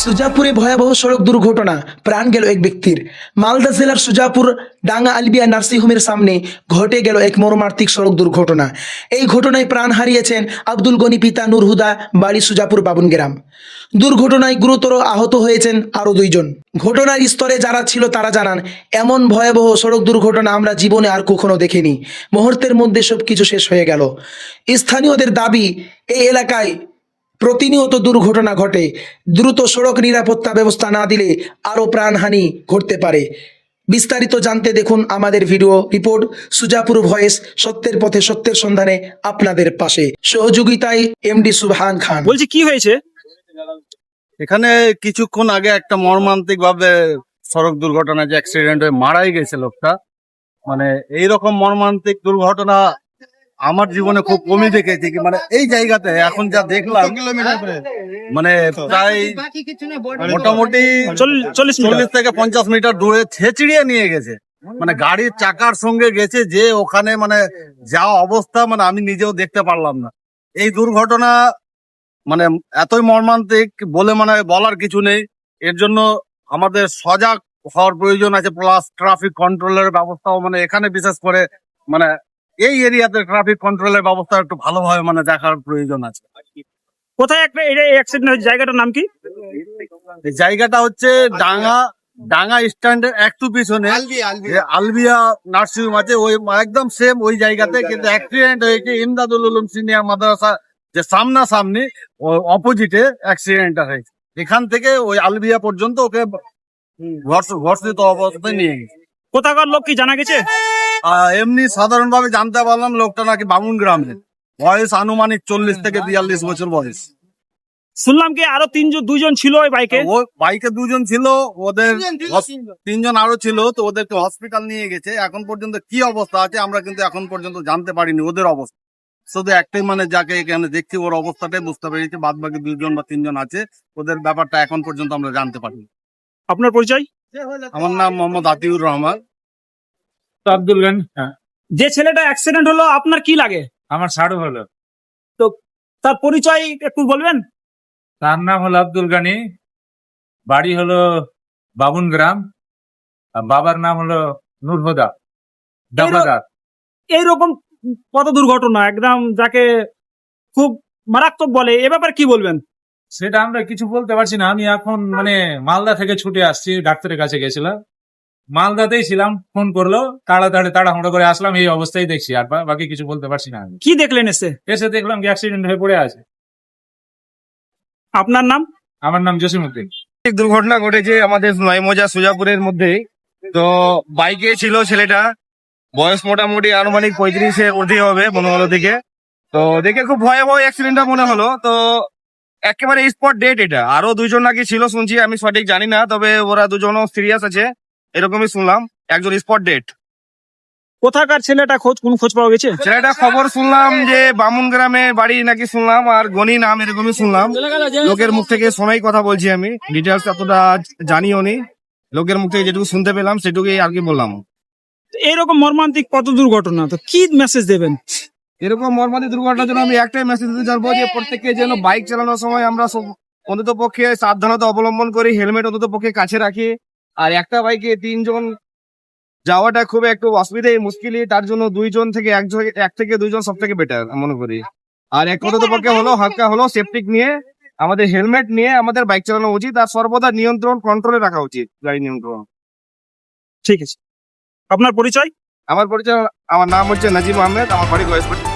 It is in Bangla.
সুজাপুরে ভয়াবহ সড়ক দুর্ঘটনা, প্রাণ গেল এক ব্যক্তির। মালদা জেলার সুজাপুর ডাঙ্গা আলবিয়া নার্সিংহোমের সামনে ঘটে গেল এক মর্মান্তিক সড়ক দুর্ঘটনা। এই ঘটনায় প্রাণ হারিয়েছেন আব্দুল গনি পিতা নূর হুদা, বাড়ি সুজাপুর বাবুন গ্রাম। দুর্ঘটনায় গুরুতর আহত হয়েছেন আরও দুইজন। ঘটনার স্তরে যারা ছিল তারা জানান, এমন ভয়াবহ সড়ক দুর্ঘটনা আমরা জীবনে আর কখনো দেখিনি। মুহূর্তের মধ্যে সবকিছু শেষ হয়ে গেল। স্থানীয়দের দাবি, এই এলাকায় প্রতিনিয়ত দুর্ঘটনা ঘটে। দ্রুত সড়ক নিরাপত্তা ব্যবস্থা না দিলে আরও প্রাণহানি ঘটতে পারে। বিস্তারিত জানতে দেখুন আমাদের ভিডিও রিপোর্ট সুজাপুর ভয়েস, সত্যের পথে সত্যের সন্ধানে আপনাদের পাশে। সহযোগিতায় এমডি সুবহান খান। বলছি কি হয়েছে এখানে? কিছুক্ষণ আগে একটা মর্মান্তিক ভাবে সড়ক দুর্ঘটনা, যে অ্যাক্সিডেন্ট হয়ে মারাই গেছে লোকটা। মানে এইরকম মর্মান্তিক দুর্ঘটনা আমার জীবনে খুব কমই দেখেছি। মানে এই জায়গাতে এখন যা দেখলাম, মানে প্রায় মোটামুটি 40 থেকে 50 মিটার দূরে ছেঁচড়িয়ে নিয়ে গেছে। মানে গাড়ির চাকার সঙ্গে গেছে, যে ওখানে মানে যা অবস্থা, মানে আমি নিজেও দেখতে পারলাম না। এই দুর্ঘটনা মানে এতই মর্মান্তিক বলে মানে বলার কিছু নেই। এর জন্য আমাদের সজাগ হওয়ার প্রয়োজন আছে, প্লাস ট্রাফিক কন্ট্রোলের ব্যবস্থাও, মানে এখানে বিশেষ করে মানে এই এরিয়াতে ট্রাফিক কন্ট্রোলের ব্যবস্থা একটু ভালোভাবে মানে দেখার প্রয়োজন আছে। কোথায় একটা অ্যাক্সিডেন্ট হয়েছে, জায়গাটার নাম কি? এই জায়গাটা হচ্ছে ডাঙ্গা স্ট্যান্ডের একটু পিছনে আলবিয়া নার্সিংহোম আছে, ওই একদম সেম ওই জায়গাতে। কিন্তু অ্যাক্সিডেন্ট হয়েছে ইমদাদুল উলুম সিনিয়র মাদ্রাসা যে সামনাসামনি, অপোজিটে অ্যাক্সিডেন্টটা হয়েছে। এখান থেকে ওই আলবিয়া পর্যন্ত ওকে ঘর্ষিত অবস্থায় নিয়ে গেছে। কোথাকার লোক কি জানা গেছে? এমনি সাধারণভাবে জানতে পারলাম লোকটা নাকি বামুন গ্রামের, বয়স আনুমানিক 40 থেকে 42 বছর বয়স। শুনলাম কি আরো দুজন ছিল ওই বাইকে? ও বাইকে দুজন ছিল, ওদের 3জন আরো ছিল, তো ওদেরকে হসপিটাল নিয়ে গেছে। এখন পর্যন্ত কি অবস্থা আছে আমরা কিন্তু এখন পর্যন্ত জানতে পারিনি ওদের অবস্থা। শুধু একটাই, মানে যাকে এখানে দেখছি ওর অবস্থাটাই বুঝতে পেরেছি। বাদ বাকি 2জন বা 3জন আছে, ওদের ব্যাপারটা এখন পর্যন্ত আমরা জানতে পারিনি। আপনার পরিচয়? আমার নাম মোহাম্মদ আতিউর রহমান। আব্দুল গানি। যে ছেলেটা অ্যাক্সিডেন্ট হলো আপনার কি লাগে? আমার সাড়ু হলো। তো তার পরিচয় একটু বলবেন? তার নাম হলো আব্দুল গানি, বাড়ি হলো বাবুন গ্রাম, আর বাবার নাম হলো নূর হুদা, ডাবলাদার। এইরকম কত দুর্ঘটনা একদম যাকে খুব মারাত্মক বলে, এ ব্যাপারে কি বলবেন? সেটা আমরা কিছু বলতে পারছি না। আমি এখন মানে মালদা থেকে ছুটে আসছি, ডাক্তারের কাছে গেছিলাম, মালদাতেই ছিলাম। ফোন করলো, তাড়াহুড়ো করে আসলাম, এই অবস্থায় দেখছি। আর বাকি কিছু বলতে পারছি না। আমি কি দেখলেন এসে দেখলাম কি অ্যাক্সিডেন্ট হয়ে পড়ে আছে। আপনার নাম? আমার নাম জসিমউদ্দিন। দুর্ঘটনা ঘটেছে আমাদের নয়মজা সুজাপুরের মধ্যে। তো বাইকে ছিল ছেলেটা, বয়স মোটামুটি আনুমানিক 35-এর ঊর্ধ্বে হবে মনে হলো দেখে। তো দেখে খুব ভয়াবহ অ্যাক্সিডেন্টটা মনে হলো। তো একেবারে স্পট ডেট এটা। আরো 2জন নাকি ছিল শুনছি, আমি সঠিক জানি না, তবে ওরা 2জনও সিরিয়াস আছে এরকমই শুনলাম। একজন স্পট ডেট। কোথাকার ছেলেটা কোন খোঁজ পাওয়া গেছে? ছেলেটা খবর শুনলাম যে বামুন গ্রামে বাড়ি নাকি শুনলাম, আর গনি নাম এরকমই শুনলাম। লোকের মুখ থেকে শোনাই কথা বলছি, আমি ডিটেলস এতটা জানিও নি। লোকের মুখ থেকে যেটুকু শুনতে পেলাম সেটুকুই আর কি বললাম। এইরকম মর্মান্তিক কত দুর্ঘটনা, তো কি মেসেজ দেবেন? এরকম মর্মান্তিক দুর্ঘটনার জন্য আমি একটাই মেসেজ দিতে চাইবো যে প্রত্যেককে যেন বাইক চালানোর সময় আমরা অন্তত পক্ষে সাবধানতা অবলম্বন করি, হেলমেট অন্তত পক্ষে কাছে রাখি। আর একটা বাইকে 3জন যাওয়াটা খুব একটু অসুবিধাই, মুশকিলই। তার জন্য 2জন থেকে 1 থেকে 2জন সব থেকে বেটার মনে করি। আর এক অন্তত পক্ষে হলো হালকা হলো সেফটিক নিয়ে, আমাদের হেলমেট নিয়ে আমাদের বাইক চালানো উচিত। আর সর্বদা নিয়ন্ত্রণ কন্ট্রোলে রাখা উচিত, গাড়ি নিয়ন্ত্রণ। ঠিক আছে, আপনার পরিচয়? আমার নাম হচ্ছে নাজিম আহমেদ, আমার বাড়ি গয়েশপুর।